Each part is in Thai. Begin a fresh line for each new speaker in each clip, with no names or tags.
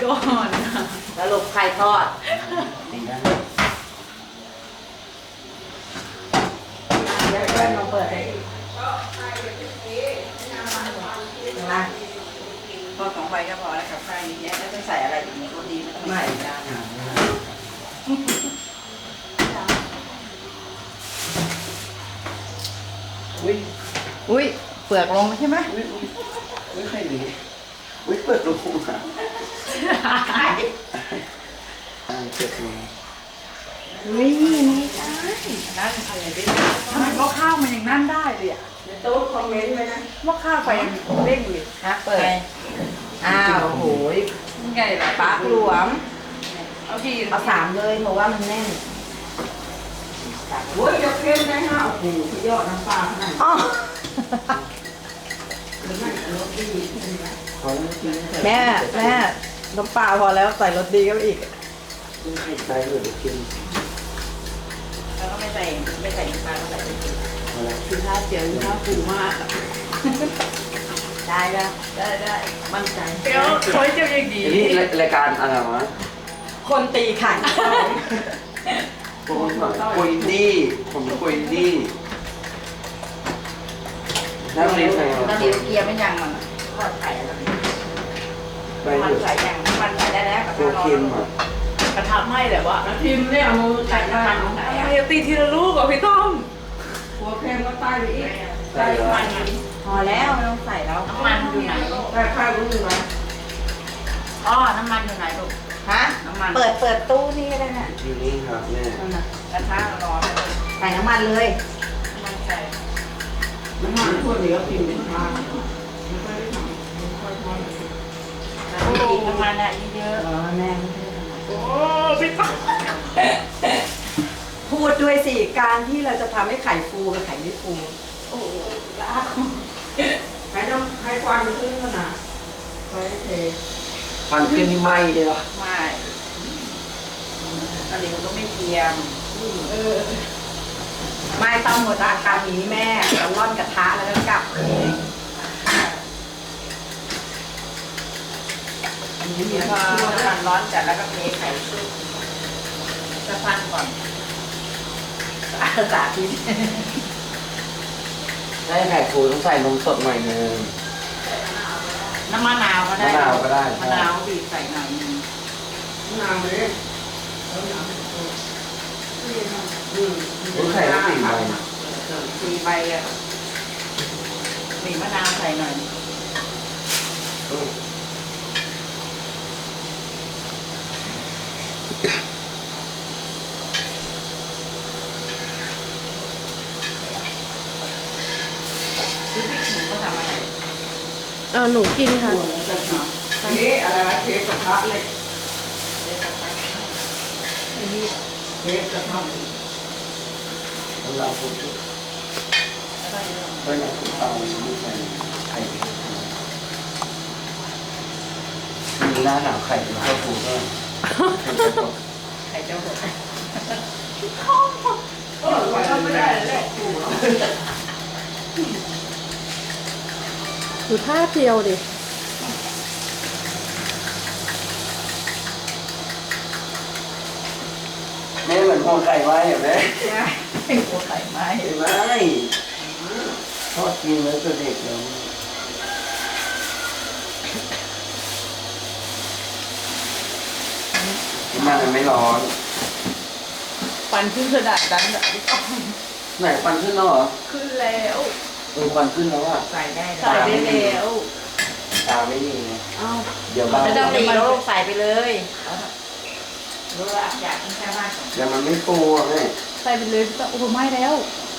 ก่อน
สรุปใครทอด
ตีได้
เดี๋ยวเราเปิดให้นะพอ2 ใบก็พอแล้วกับข้าวนี้เนี่ยแล้วจะใส่อะไรอีกเนี่ยรสดีไม่ต้องใส่จาน
อุ้ยเปลือกลงใช่ไหม
อุ้ยใครดีอุ้ยเปิดรูอ่ะเปิดรู
นี่ไม่ได้นั่นอะไรดิทำไมหม้อข้าวมันยังนั่นได้เลยอ่ะ
โต๊ะคอมเมนต์ไว้นะ
หม้อข้าวไฟเร่งเลย
นะเปิดอ้าวโหย
ไงล่ะ
ปลาหลวม
เอากี่
เอา3เลยเพราะว่ามันแน่นโอ้ยยกเค็มได้5โอ้โหสุดยอดน้ำปลาขนาดนี้
แม่น้ำปลาพอแล้วใส่รสดีก็อีก
ใส่เลยกิน
แล้วก็ไม่ใส่น้ำปลาก็ใส่ไปกิน
คือท่าเจียวท่าฟูมาก
ได้มั่นใจ
เดี๋ยวคอยเจียวยังดี
นี่รายการอะไรวะ
คนตีไข่
ผมคุยดี้นั่งเรียนไงวะ
นั่งเรียนเกียร์ไม่ยังมันทอดไข่อะไรมันใส่ยังมันใส่ได้แล้ว
ตัวเค็มอ่ะ
กระทะไหม้แต่ว่าพิมเนี่ยเอาใส่น้ำมันไหนอะตีทีละลูกอ่ะพี่ต้อม
หัวเค็มก็ใต้ไปอีก
ใส่
น้ำมันพอแล้วไม่ต้องใส่แล้วน้ำมันอยู่ไหน
ใส่ข้าวรู้ไหม
อ๋อน้ำมันอยู่ไหนลูกฮะน้ำมันเปิดตู้นี่ก็ได้น่ะ
อยู่นี่ครับแม่
กระทะร้อนใส่น้ำมันเลยน้ำมันใส่
น้ำมันพวกนี้ก็กินเป็นข้าว
น้ำมันอะเยอะแน่
โอ้พี่ต้อม
พูดด้วยสิการที่เราจะทำให้ไข่ฟูกับไข่ไม่ฟูโอ้ละ
ใครควันขึ้นขนาดไฟเท
ควันขึ้นนี่ไหม้เลยเหรอ
ไม่อันนี้มันก็ไม่เทียมไม่ต้องหมดอาการนี้แม่เราร่อนกระทะแล้วก็กลับเองพอน้ำมันร้อนจัดแล้วก็เทไข่ซุปจะพันก่อนสาธิต
ได้ไข่ฟูต้องใส่นมสดหน่อยนึง
น้ำมะนาวก็ได้
มะนาวก็ได้
มะนาวบีบใส่หน่อยนึง
มะนาวเลย
ไข่ต้อง4 ใบ
4 ใบอ่ะบีบมะนาวใส่หน่อย
หนูกินค่ะ
เค้กอะไรวะเค้กกระทะเหล็กเค้กกระทะ
เราพูดถึงเรื่องเตาไม่ใส่ไข่มีหน้าหนาวไข่เป็นข้าวฟูก็
ไข่เจ้าหด
ไม่ได้เลยดูท่าเดียวดิ
แม่เหมือนหัวไข่ไว้เห็นไหม
ใช่หัวไข่ไม้
เห็นไหมทอดกินแล้วตัวเด็กแล้วมันไม่ร้อน
ฟันขึ้นขนาดนั้นอ่ะ
ไหนฟันขึ้นแล้วเหรอ
ขึ้นแล้ว
ฟันขึ้นแล้วอ่ะ
ใส่ได้
แล้ว
ตาไม่ดีไงเดี๋ยว
ไม่ต้องตีลูกใส่ไปเลยรู้ว่าอยากกินแค่บ้าน
เดี๋ยวมันไม่ฟูอ่ะแม่
ใส่ไปเลยโอ้โหไม่แล้ว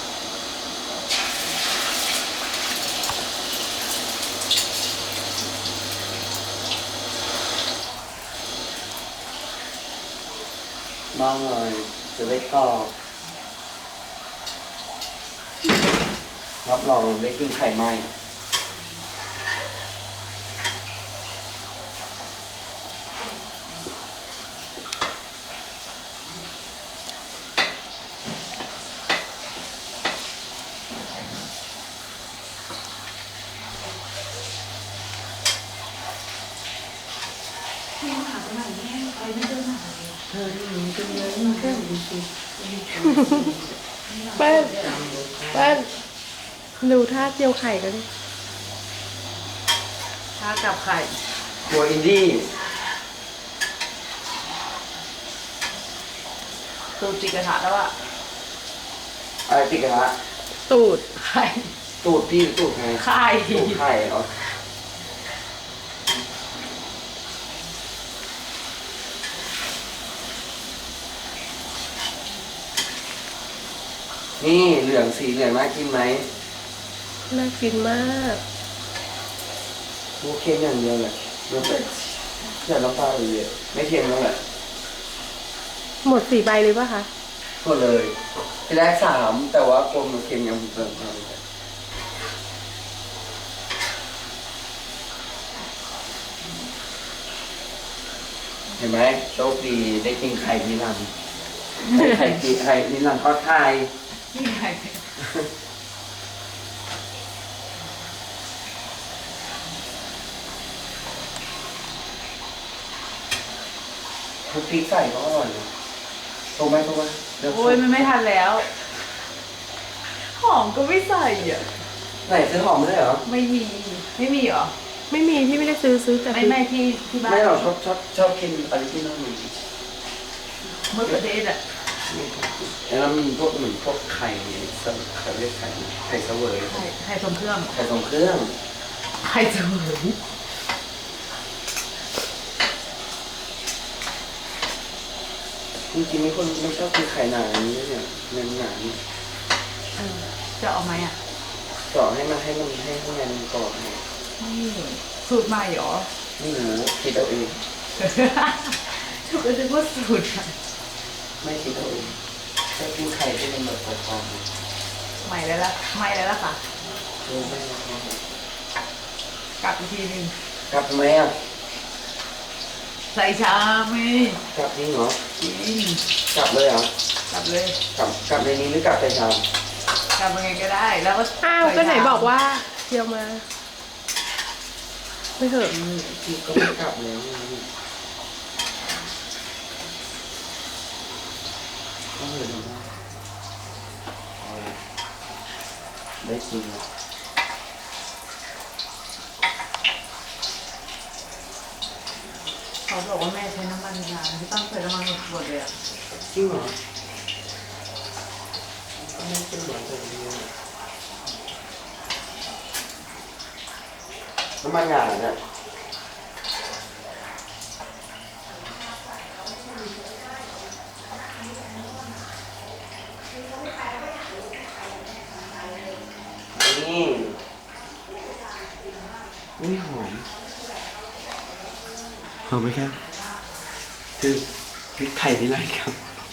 มองเลยจะได้กรอบรับรองได้กินไข่ไหม้
ที่มหาวิทยาลัยแม่ไปไม่เจอหาเลย
เธอที่มีเป็นเงินแค่ดีสิ
เปิ้ลเปิ้ลดูท่าเจียวไข่กันดิ
ถ้ากับไข่
ครัวอินดี้
ตูจิกกระทะแล้วอะ
อะไรติดกระทะ
ตูด
ไข่
ตูดพี่หรือตูดไง
ไข่
ตูดไข่เหรอนี่เหลืองสีเหลืองน่ากินไหม
น่ากินมาก
พวกเค็มอย่างเดียวเลยเดี๋ยวไปอย่าน้ำปลาเลยเยอะไม่เค็มแล้วแหละ
หมด4 ใบเลยป่ะคะ
ก็เลยทีแรก3แต่ว่ากลมมันเค็มยังเติมมาเลยเห็นไหมโชคดีได้กินไข่นิรันดร์ไข่กินไข่นิรันดร์ทอดไข่
นี่ไข่
ทุกพริกใส่ก็อร่อยนะถูกไหมถูกไหมเดี๋ยว
โอ้ยมันไม่ทันแล้ว หอมก็ไม่ใส่อ่ะ
ไหนซื้อหอมไม่ได้เหรอ
ไม่มีเหรอ
ไม่มีพี่ไม่ได้ซื้อแต่
ไม่ที่บ้าน
ไม่หรอกชอบกินอะไรที่นั่นมี
มะเขือเทศอ่ะ
แล้วมีพวกเหมือนพวกไข่เขาเรียกไข่ไข่เสวย
ไข่ทรงเครื่อง
ไข่ทรงเครื่อง
ไข่เสวย
จริงๆมีคนไม่ชอบกินไข่หนาอย่างนี้เนี่ยเนื้อหนานี่
จะเอาไหมอ่ะ
เจาะให้มันให้ข้างในมันกรอบไง
นี่สูตรใหม่เหรอ
ไม่รู้คิดเอาเอง
ถูกก็จะพูดสูตรอะ
ไม่คิดเอาเองชอบกินไข่ที่มันแบบกรอบๆ
ใหม่แล้วล่ะค่ะ
ไม่รักมาก
กลับอีกทีหนึง
กลับไหมอ่ะ
ใส่ชามไหม
กลับนี่เหรอ
กิน
กลับเลยเหรอก
ลับเลย
กลับในนี้หรือกลับไปชาม
กลับยังไงก็ได้ แล้วก็
อ้าวก็ไหนบอกว่าเจียวมา ไม่เถอะ
พี่ก็ไม่กลับแล้วนี่ก็เลยนะเอาละได้กินแล้ว
เขาบอกว่าแม่ใช้น้ำมันงาที่ต้องใช้น้ำมันหมดเลยอ่ะ
จริงเหรอไม่เป็นเหมือนแบบนี้น้ำมันงาเนี่ยนี่อุ้ยหอมหอมไหมครับคือพริกไทยนี่ไรครับ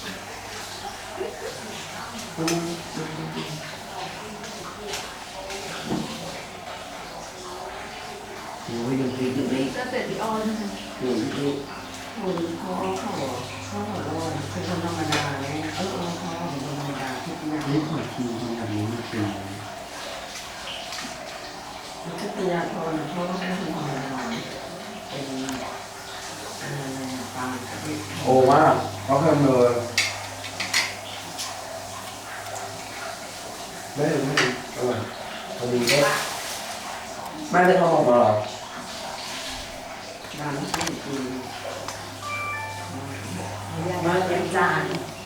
โอ้ยดูพริกดูพริก
ก็เสร็จที่ออนนะคะ
ดูพริก
โอ้ยเขาหัวร้อนคือคนธรรมดาเนี่ยเขาเป็นคนธรรมดาทุกอย่าง
นี่ขอคิวทำแบบนี้มันเป็น
มันก็ตียาทอนเขาก็เป็นคนธรรมดาเป็นอะไรปลากับที่
โอ้มากเขาเพิ่มเลยไม่อร่อยพอดีก็แม่ได้ทำออกมาเหรอ
ร้านที่กินมาเป็นจาน